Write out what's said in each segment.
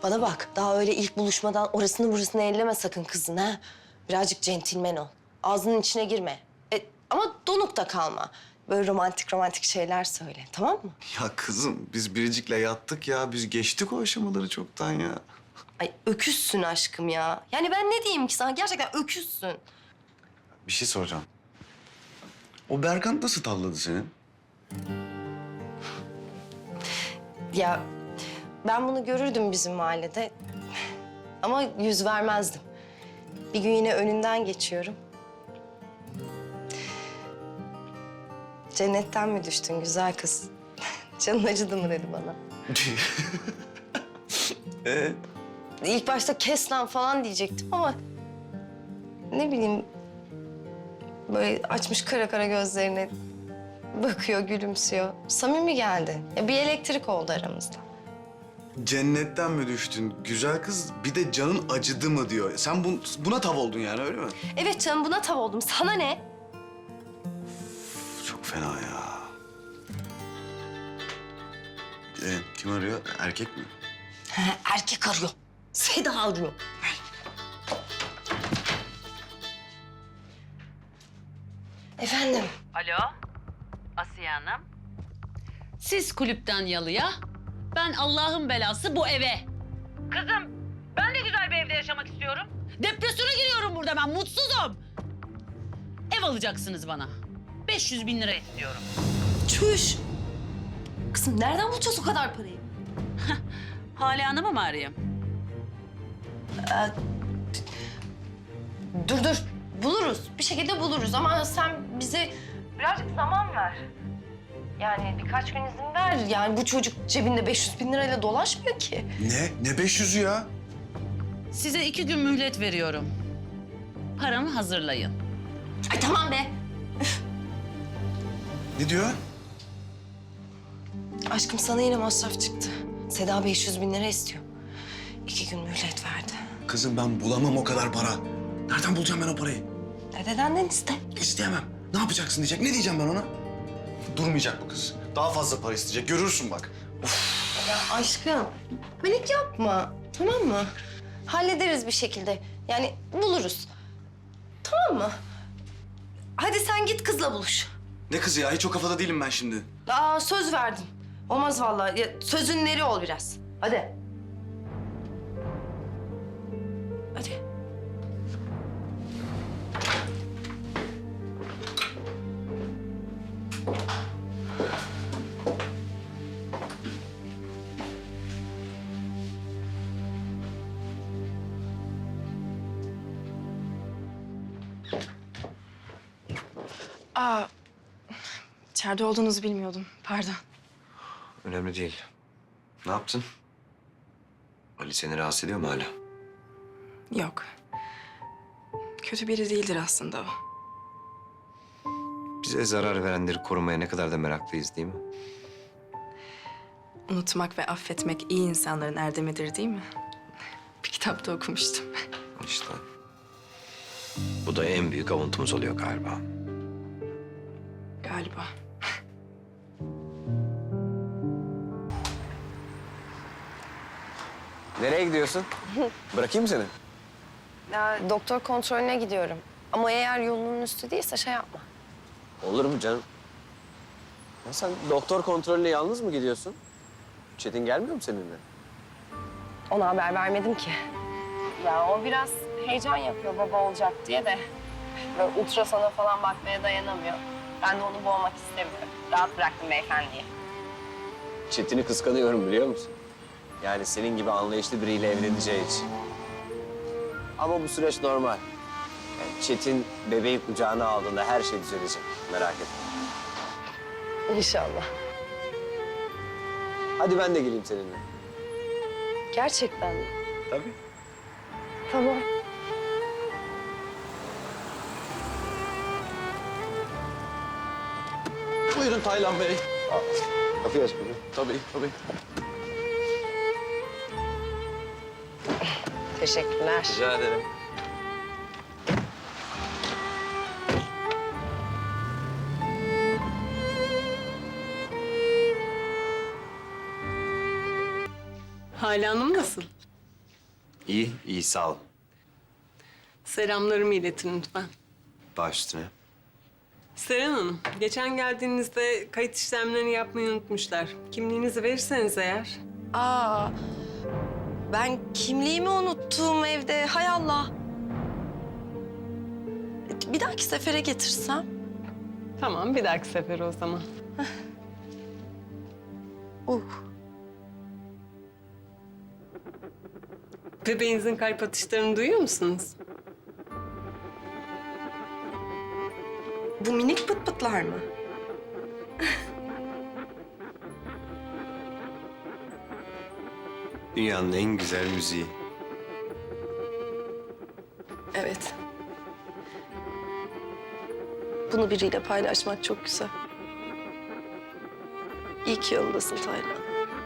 Bana bak, daha öyle ilk buluşmadan orasını burasını elleme sakın kızın ha. Birazcık centilmen ol. Ağzının içine girme. Ama donuk da kalma. Böyle romantik romantik şeyler söyle, tamam mı? Ya kızım biz Biricik'le yattık ya. Biz geçtik o aşamaları çoktan ya. Ay öküzsün aşkım ya. Yani ben ne diyeyim ki sana? Gerçekten öküzsün. Bir şey soracağım. O Berkant nasıl tavladı seni? Ya ben bunu görürdüm bizim mahallede. Ama yüz vermezdim. Bir gün yine önünden geçiyorum. Cennetten mi düştün güzel kız? Canın acıdı mı dedi bana. İlk başta kes lan falan diyecektim ama... ne bileyim... böyle açmış kara kara gözlerine bakıyor, gülümsüyor. Samimi geldi. Ya bir elektrik oldu aramızda. Cennetten mi düştün güzel kız? Bir de canın acıdı mı diyor. Sen buna tav oldun yani öyle mi? Evet canım buna tav oldum. Sana ne? Çok fena ya. Kim arıyor? Erkek mi? Erkek arıyor. Seda arıyor. Efendim? Alo, Asiye Hanım. Siz kulüpten yalıya, ben Allah'ın belası bu eve. Kızım, ben de güzel bir evde yaşamak istiyorum. Depresyona giriyorum burada ben, mutsuzum. Ev alacaksınız bana. 500 bin lira istiyorum. Çüş. Kızım nereden bulacağız o kadar parayı? Hale Hanım'ı mı arayayım? Dur. Buluruz. Bir şekilde buluruz ama sen bize birazcık zaman ver. Yani birkaç gün izin ver. Yani bu çocuk cebinde 500 bin lirayla dolaşmıyor ki. Ne? Ne 500'ü ya? Size 2 gün mühlet veriyorum. Paramı hazırlayın. Ay tamam be. Ne diyor? Aşkım sana yine masraf çıktı. Seda 500 bin lira istiyor. 2 gün mühlet verdi. Kızım ben bulamam o kadar para. Nereden bulacağım ben o parayı? Dedenden iste. İsteyemem. Ne yapacaksın diyecek. Ne diyeceğim ben ona? Durmayacak bu kız. Daha fazla para isteyecek. Görürsün bak. Ya aşkım panik yapma. Tamam mı? Hallederiz bir şekilde. Yani buluruz. Tamam mı? Hadi sen git kızla buluş. Ne kızı ya? Hiç o kafada değilim ben şimdi. Söz verdin. Olmaz vallahi. Ya, sözün neri ol biraz. Hadi. Hadi. İçeride olduğunuzu bilmiyordum. Pardon. Önemli değil. Ne yaptın? Ali seni rahatsız ediyor mu hala? Yok. Kötü biri değildir aslında o. Bize zarar verenleri korumaya ne kadar da meraklıyız değil mi? Unutmak ve affetmek iyi insanların erdemidir değil mi? Bir kitapta okumuştum. İşte. Bu da en büyük avuntumuz oluyor galiba. Galiba. Nereye gidiyorsun? Bırakayım mı seni? Ya, doktor kontrolüne gidiyorum. Ama eğer yolunun üstü değilse şey yapma. Olur mu canım? Ya sen doktor kontrolüne yalnız mı gidiyorsun? Çetin gelmiyor mu seninle? Ona haber vermedim ki. Ya o biraz heyecan yapıyor baba olacak diye de. Böyle ultrasona falan bakmaya dayanamıyor. Ben de onu boğmak istemiyorum. Rahat bıraktım beyefendiyi. Çetin'i kıskanıyorum biliyor musun? Yani senin gibi anlayışlı biriyle evleneceği için. Ama bu süreç normal. Yani Çetin bebeği kucağına aldığında her şey düzelecek. Merak etme. İnşallah. Hadi ben de geleyim seninle. Gerçekten mi? Tabii. Tamam. Buyurun Taylan Bey. Kapıyı aç bugün. Tabii, tabii. Teşekkürler. Rica ederim. Hale Hanım nasıl? İyi, iyi sağ ol. Selamlarımı iletin lütfen. Baş üstüne. Seren Hanım, geçen geldiğinizde kayıt işlemlerini yapmayı unutmuşlar. Kimliğinizi verirseniz eğer. Aa, ben kimliğimi unuttum evde. Hay Allah. Bir dahaki sefere getirsem. Tamam, bir dahaki sefer o zaman. Uh. Bebeğinizin kalp atışlarını duyuyor musunuz? Bu minik pıt pıtlar mı? Dünyanın en güzel müziği. Evet. Bunu biriyle paylaşmak çok güzel. İyi ki yolundasın Taylan.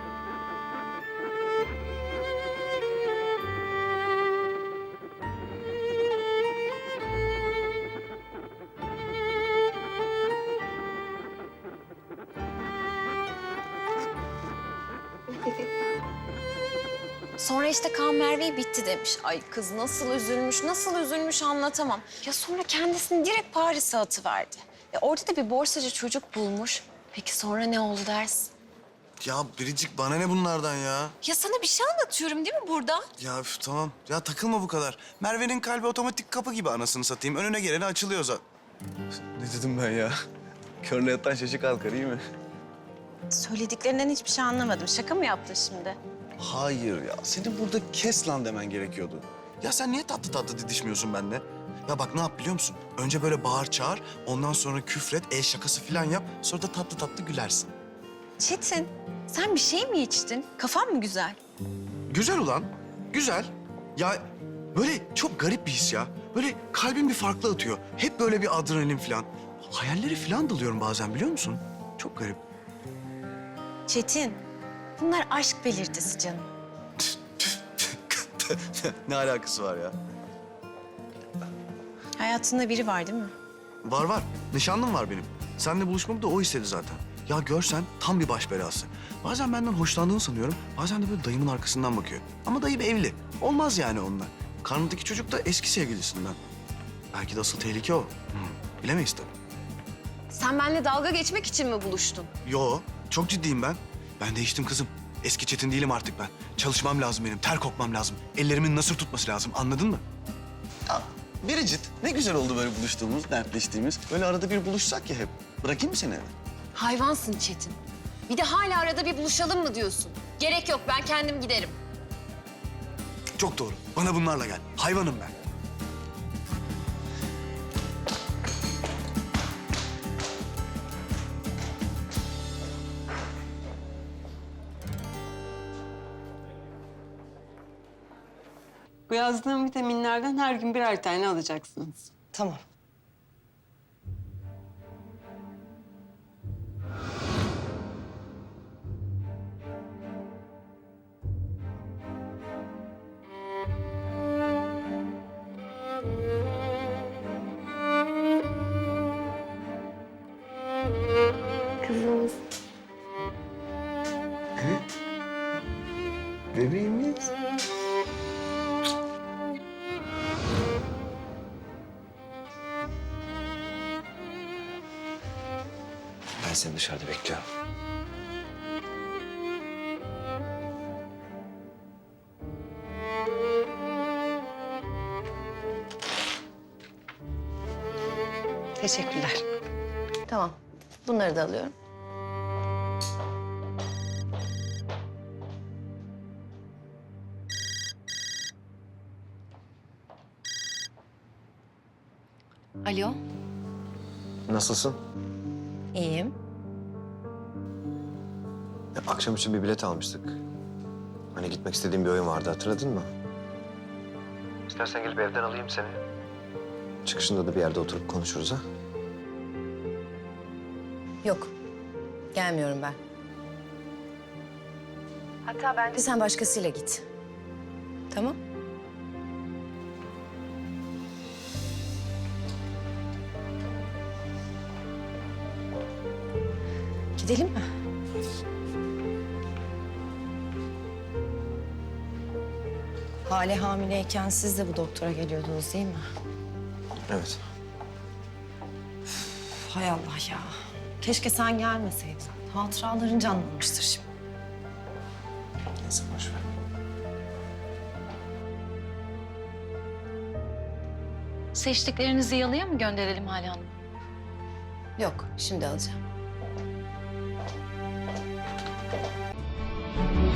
Sonra işte Kaan Merve'yi bitti demiş. Ay kız nasıl üzülmüş anlatamam. Ya sonra kendisini direkt Paris'e atıverdi. Orada da bir borsacı çocuk bulmuş. Peki sonra ne oldu dersin? Ya Biricik bana ne bunlardan ya? Ya sana bir şey anlatıyorum değil mi burada? Ya üf, tamam. Ya takılma bu kadar. Merve'nin kalbi otomatik kapı gibi anasını satayım. Önüne geleni açılıyor zaten. Ne dedim ben ya? Körle yatan şaşı kalkar iyi mi? Söylediklerinden hiçbir şey anlamadım. Şaka mı yaptın şimdi? Hayır ya. Senin burada kes lan demen gerekiyordu. Ya sen niye tatlı tatlı didişmiyorsun benimle? Ya bak ne yap biliyor musun? Önce böyle bağır çağır, ondan sonra küfret, el şakası falan yap. Sonra da tatlı tatlı gülersin. Çetin, sen bir şey mi içtin? Kafan mı güzel? Güzel ulan, güzel. Ya böyle çok garip bir his ya. Böyle kalbim bir farklı atıyor. Hep böyle bir adrenalin falan. Hayalleri falan dalıyorum bazen biliyor musun? Çok garip. Çetin, bunlar aşk belirtisi canım. Ne alakası var ya? Hayatında biri var değil mi? Var var. Nişanlım var benim. Seninle buluşmamı da o istedi zaten. Ya görsen tam bir baş belası. Bazen benden hoşlandığını sanıyorum. Bazen de böyle dayımın arkasından bakıyor. Ama dayım evli. Olmaz yani onunla. Karnındaki çocuk da eski sevgilisinden. Belki de asıl tehlike o. Bilemeyiz tabii. Sen benimle dalga geçmek için mi buluştun? Yo, çok ciddiyim ben. Ben değiştim kızım. Eski Çetin değilim artık ben. Çalışmam lazım benim, ter kokmam lazım. Ellerimin nasır tutması lazım, anladın mı? Ya Biricik, ne güzel oldu böyle buluştuğumuz, dertleştiğimiz. Böyle arada bir buluşsak ya hep. Bırakayım mı seni eve? Hayvansın Çetin. Bir de hala arada bir buluşalım mı diyorsun? Gerek yok, ben kendim giderim. Çok doğru. Bana bunlarla gel. Hayvanım ben. Bu yazdığım vitaminlerden her gün birer tane alacaksınız. Tamam. Kızımız. Bebeğimiz. Ben seni dışarıda bekliyorum. Teşekkürler. Tamam. Bunları da alıyorum. Alo, Nasılsın? iyiyim. Ya, akşam için bir bilet almıştık. Hani gitmek istediğim bir oyun vardı, hatırladın mı? İstersen gelip evden alayım seni. Çıkışında da bir yerde oturup konuşuruz ha. Yok, gelmiyorum ben. Hatta bence sen başkasıyla git. Tamam? Gidelim mi? Hale hamileyken siz de bu doktora geliyordunuz değil mi? Evet. Hay Allah ya. Keşke sen gelmeseydin. Hatıraların canlanmıştır şimdi. Neyse boş ver. Seçtiklerinizi yalıya mı gönderelim Hale Hanım? Yok, şimdi alacağım.